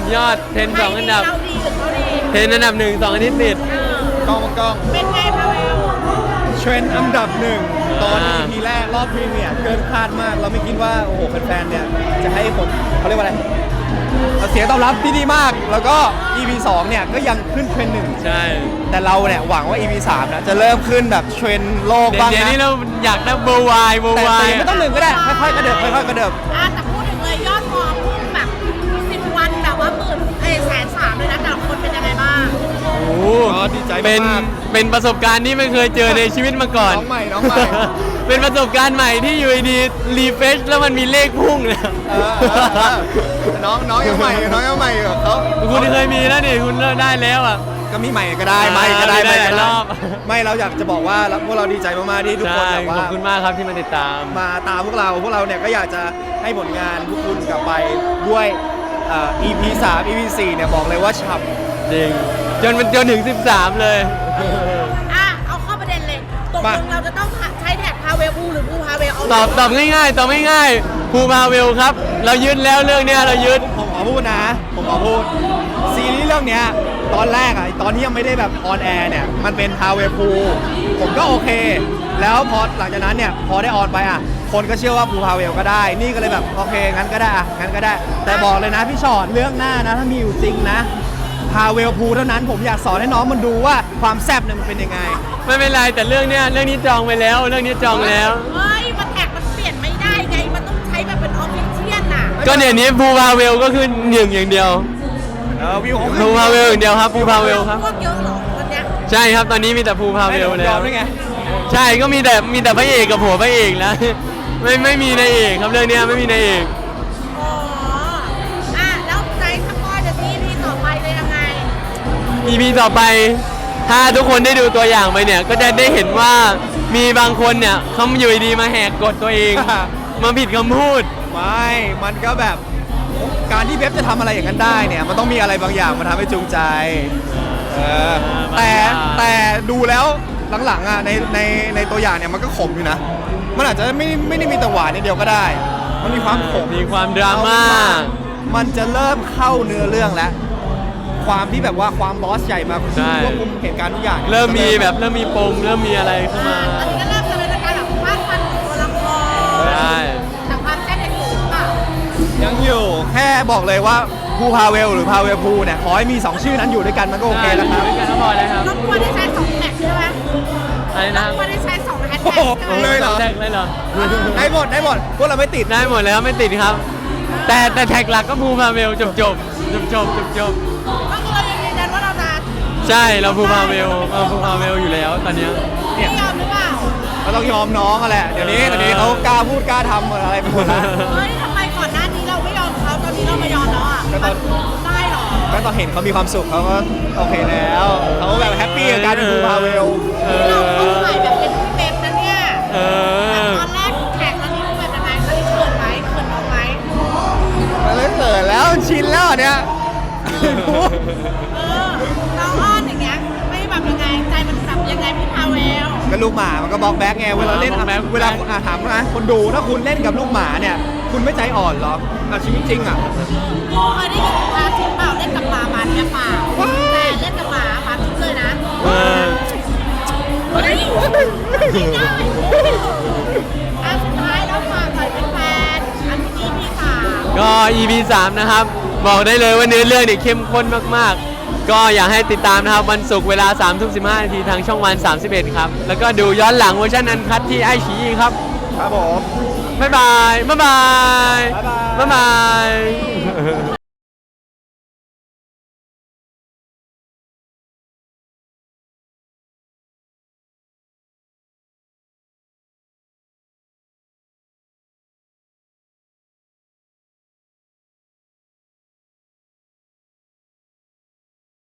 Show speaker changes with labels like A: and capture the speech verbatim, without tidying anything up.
A: ยอดเทรนสองอันดับ
B: เราดีหรือเขาดี
A: เทรนอันดับหนึ่งสองอาทิตย์ติด
C: กล้องกล้อง
B: เป็นไงพาเวล
C: เทรนด์อันดับหนึ่งตอน
A: อ่า
C: อี พี แรกรอบพรีเมียร์เกินคาดมาก เราไม่คิดว่าโอ้โหแฟนๆเนี่ยจะให้ผลเขาเรียกว่าอะไรเสียงตอบรับที่ดีมาก แล้วก็ อี พี สองเนี่ยก็ยังขึ้นเทรนด์หนึ่ง
A: ใช่
C: แต่เราเนี่ยหวังว่า อี พี สามนะจะเริ่มขึ้นแบบเทรนด์โลก
A: เดี๋ยว
C: บ้าง
A: เดี๋ยว
C: นะ
A: นี้เราอยากได้เบอร์วายเบอ
C: แต่
A: ร์วา
C: แต่
A: ย
C: ไม่ต้องหนึ่งก็ได้ค่อยๆกระเดิบค่อยๆกระเดิบ
B: อ่ะแต่พูดถึงเลยยอดฟอลพุ่งแบบสิบวันแบบว่าหมื่นเอ้ยแสนสามเลยนะแต่ละคนเป็นยังไงบ้าง
A: โอ้โห
C: ก็ดีใจ
A: เป็น
C: มาก
A: เป็นประสบการณ์ที่ไม่เคยเจอในชีวิตมาก่อน
C: น้องใหม่น้องใหม่
A: เป็นประสบการณ์ใหม่ที่อยู่ดีรีเฟชแล้วมันมีเลขพุ่งเลย
C: เออเออเออน้องน้องยังใหม่น้องยังใหม่อยู่เขา
A: คุณเคยมีแล้วนี่คุณได้แล้วอ่ะ
C: ก็มีใหม่ก็ได้ไม่
A: อ่า
C: ก็ได้
A: มีได้
C: ไม่ก็
A: หลายร
C: ได้
A: อบ
C: ไม่เราอยากจะบอกว่าเราพวกเราดีใจมากๆที่ทุกคน
A: ใช่
C: แบบ
A: ขอบ
C: ว่า
A: คุณมากครับที่มาติดตาม
C: มาตามพวกเราพวกเราเนี่ยก็อยากจะให้ผลงานพวกคุณกลับไปด้วยเอ่อ อี พี สาม อี พี สี่เนี่ยบอกเลยว่าฉ่ำ
A: จริง จนมันจนถึง สิบสาม เลย
B: อ่ะเอาเข้าประเด็นเลยตกล
C: มา
B: งเราจะต้องใช้แท็กพาเวลพูหรือพูพาเวลเอา
A: ตอบตอบง่ายๆตอบง่ายๆภูพาเวลครับ เรายึดแล้วเรื่องเนี้ยเรายึด
C: ผมขอพูดนะ ผมขอพูดซีรีส์เรื่องเนี้ยตอนแรกอะตอนที่ยังไม่ได้แบบออนแอร์เนี่ยมันเป็นพาเวพูผมก็โอเค แล้วพอหลังจากนั้นเนี่ยพอได้ออนไปอะคนก็เชื่อว่าภูพาเวลก็ได้ นี่ก็เลยแบบโอเคงั้นก็ได้อะงั้นก็ได้ แต่บอกเลยนะพี่ชอดเรื่องหน้านะถ้ามีอยู่จริงนะพาเวลพูเท่านั้นผมอยากสอนให้น้องมันดูว่าความแซ่บเนี่ยมันเป็นยังไง
A: ไม่เป็นไรแต่เรื่องเนี้ยเรื่องนี้จองไปแล้ว เรื่องนี้จองแล้ว
B: เฮ้ยมันแท็กมันเปลี่ยนไม่ได้ไงมันต้องใช้แบบเป็นออฟฟิเชียลน่ะ
A: ก็เดี๋ยวนี้ภูพาเวลก็คือหนึ่งอย่างเดียว
C: เออวิวของ
A: ภูพาเวลอย่างเดียวครับภูพาเวลครับ
B: พวกเยอะเหรอวันเนี้ย
A: ใช่ครับตอนนี้มีแต่ภูพาเวล
C: ย
A: แล้
C: อ
A: ว
C: มได้ไง
A: ใช่ก็มีแต่มีแต่พระเอกกับผัวพระเอกแล้ว ไม่ไม่มีนายเอกครับเรื่องเนี้ยไม่มีนายเอก
B: อ๋ออ่ะแล้วใจสปอยเดี๋ยวนี้พีต่อไปเลยยังไง
A: อีพีต่อไป ถ้าทุกคนได้ดูตัวอย่างไปเนี่ย ก็จะได้เห็นว่ามีบางคนเนี่ยเขาอยู่ดีๆมาแหกกฎตัวเอง มาผิดคำพูด
C: ไม่ มันก็แบบการที่เว็บจะทำอะไรอย่างนั้นได้เนี่ย มันต้องมีอะไรบางอย่างมาทำให้จูงใจ เออ แต่
A: บางอย่าง
C: แต่ดูแล้วหลังๆอ่ะในในในตัวอย่างเนี่ยมันก็ขมอยู่นะ มันอาจจะไม่ไม่ได้มีแต่หวานนิดเดียวก็ได้ มันมีความขม
A: มีความดราม่า
C: มันจะเริ่มเข้าเนื้อเรื่องแล้ว ความที่แบบว่าความบอสใหญ่มา
A: ใช่
C: ควบคุมเหตุการณ์ทุกอย่างนี่ย
A: เริ่มมีแบบเริ่มมีปมเริ่มมีอะไรเข้ามา
B: ตอนนี้ก็เริ่มจะเป็นการแบบวาดฟันของตัวละคร
A: ใช่
B: แต่ความแซ่บยังอยู่หรือเปล่า
C: ยังอยู่แค่บอกเลยว่าภูพาเวลหรือพาเวลภูเนี่ยขอให้มีสองชื่อนั้นอยู่ด้วยกันมันก็โอเคแล้วครับ
A: ด้วยกันก็พอแล้วครับ
B: รบกวนได้ใช้สองแท็กใช่ไหม
A: อะไร
B: ร
A: นะ
B: บกวนได้ใช้สองแฮช
C: โอ้
B: แท็ก
C: โห
B: ใช่ไหม
C: เลยเหรอ
A: แท็กเลยเหรอ
C: ได้หมดได้หมดพวกเราไม่ติด
A: ได้หมดแล้วไม่ติดครับ แต่แต่แท็กหลักก็ภูพาเวลจบจบจบจบจบจบ
B: ก็คือเรายังยืนยันว่าเราจะ
A: ใช่เราภูพาเวลเราภูพาเวลอยู่แล้วตอนเนี้ย
B: ไม่ยอมหรือเปล่า
C: ก็ต้องยอมน้องอะแหละ เดี๋ยวนี้
A: เออ
C: เดี๋ยวนี้เขากล้าพูดกล้าทำอะไรไปหมดแล้ว
B: เฮ้ยทำไมก่อนหน้านี้เราไม่ยอมเขาตอนนี้เรามายอมแล้วอ่ะ
C: ก็ตอน
B: ได้เหรอ
C: ก็ตอนเห็นเขามีความสุขเขาก็โอเคแล้วเขาแบบแฮปปี้กับการเป็นภูพาเวล
A: เอ
B: เราเข้า
A: อ
B: ข่ายแบบเป็นพี่เป๊ปนะเนี่ย
A: เออ
B: ตอนแรกแท็กตอนนี้ดูแบบยังไงตอนนี้เขินไหมเขินน้องไหม
C: มันไม่เกิดแล้วชินแล้วอันเนี่ย
B: เออน้องอ้อนอย่างเงี้ยไม่แบบยังไงใจมันแบบยังไงพี่พาเวล
C: ก็ลูกหมามันก็บล็อกแบ็กไงเวลาเล่น
A: บล็อกแบ็ค
C: เวลาอ่ะถามนะคนดูถ้าคุณเล่นกับลูกหมาเนี่ย คุณไม่ใจอ่อนเหรอเอาชีวิตจริงอ่ะ
B: กูเคยได้ยินพาทิพย์เปล่าเล่นกับหมาหมาเนี่ยเปล่าแต่เล่นกับหมาหมาทุกเลยนะ
A: เออ
B: เฮ้ยไม่ได้อันสุดท้ายแล้วฝากหน่อยเป็นแฟนอันนี้พี่สาม
A: ก็ อี พี สามนะครับ บอกได้เลยว่าเนื้อเรื่องเนี่ยเข้มข้นมากๆ ก็อยากให้ติดตามนะครับวันศุกร์เวลาสามทุ่มสิบห้านาทีทางช่องวันสามสิบเอ็ดครับ แล้วก็ดูย้อนหลังเวอร์ชันอันคัดที่ไอชีครับ
C: ครับผม
A: บ๊ายบาย บ๊ายบาย
C: บ๊ายบาย
A: บ๊ายบาย